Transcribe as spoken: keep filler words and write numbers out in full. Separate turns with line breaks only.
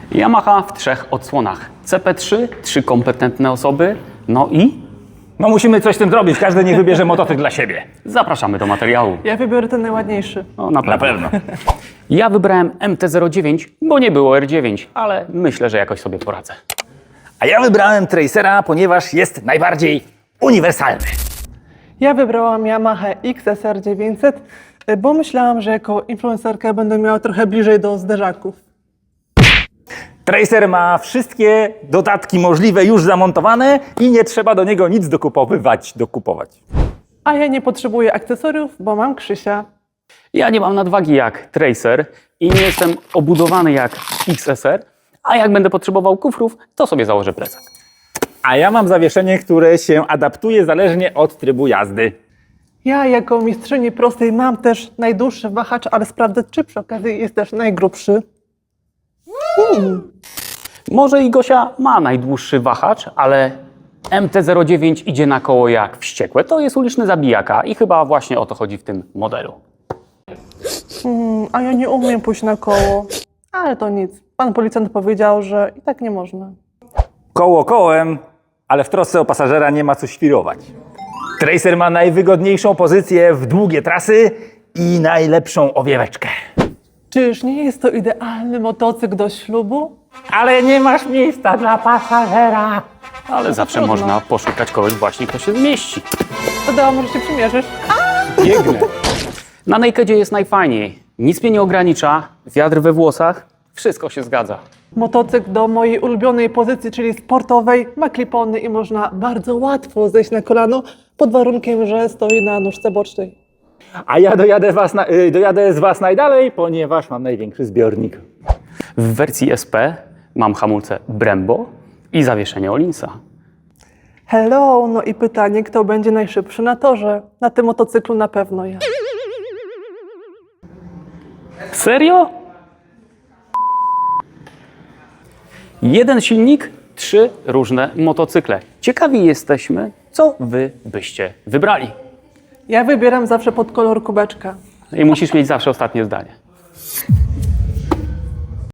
Yamaha w trzech odsłonach. C P trzy, trzy kompetentne osoby, no i
No musimy coś z tym zrobić, każdy niech wybierze motocykl dla siebie.
zapraszamy do materiału.
Ja wybiorę ten najładniejszy.
No, na pewno.
Na pewno.
Ja wybrałem M T zero dziewięć, bo nie było R dziewięć, ale myślę, że jakoś sobie poradzę.
A ja wybrałem Tracera, ponieważ jest najbardziej uniwersalny.
Ja wybrałam Yamaha X S R dziewięćset, bo myślałam, że jako influencerka będę miała trochę bliżej do zderzaków.
Tracer ma wszystkie dodatki możliwe już zamontowane i nie trzeba do niego nic dokupowywać, dokupować.
A ja nie potrzebuję akcesoriów, bo mam Krzysia.
Ja nie mam nadwagi jak Tracer i nie jestem obudowany jak X S R, a jak będę potrzebował kufrów, to sobie założę plecak.
A ja mam zawieszenie, które się adaptuje zależnie od trybu jazdy.
Ja jako mistrzyni prostej mam też najdłuższy wahacz, ale sprawdzę, czy przy okazji jest też najgrubszy. Mm.
Może i Gosia ma najdłuższy wahacz, ale M T zero dziewięć idzie na koło jak wściekłe. To jest uliczny zabijaka i chyba właśnie o to chodzi w tym modelu.
Mm, a ja nie umiem pójść na koło. Ale to nic. Pan policjant powiedział, że i tak nie można.
Koło kołem, ale w trosce o pasażera nie ma co świrować. Tracer ma najwygodniejszą pozycję w długie trasy i najlepszą owieweczkę.
Czyż nie jest to idealny motocykl do ślubu?
Ale nie masz miejsca dla pasażera.
Ale zawsze
trudno.
można poszukać kogoś właśnie, kto się zmieści.
To dała, może się przymierzysz?
Biegnę.
Na Nakedzie jest najfajniej. Nic mnie nie ogranicza, wiatr we włosach, wszystko się zgadza.
Motocykl do mojej ulubionej pozycji, czyli sportowej, ma klipony i można bardzo łatwo zejść na kolano, pod warunkiem, że stoi na nóżce bocznej.
A ja dojadę, was na, y, dojadę z was najdalej, ponieważ mam największy zbiornik.
W wersji S P mam hamulce Brembo i zawieszenie Olinsa.
Hello, no i pytanie, kto będzie najszybszy na torze? Na tym motocyklu na pewno ja.
Serio? Jeden silnik, trzy różne motocykle. Ciekawi jesteśmy, co wy byście wybrali.
Ja wybieram zawsze pod kolor kubeczka.
I musisz mieć zawsze ostatnie zdanie.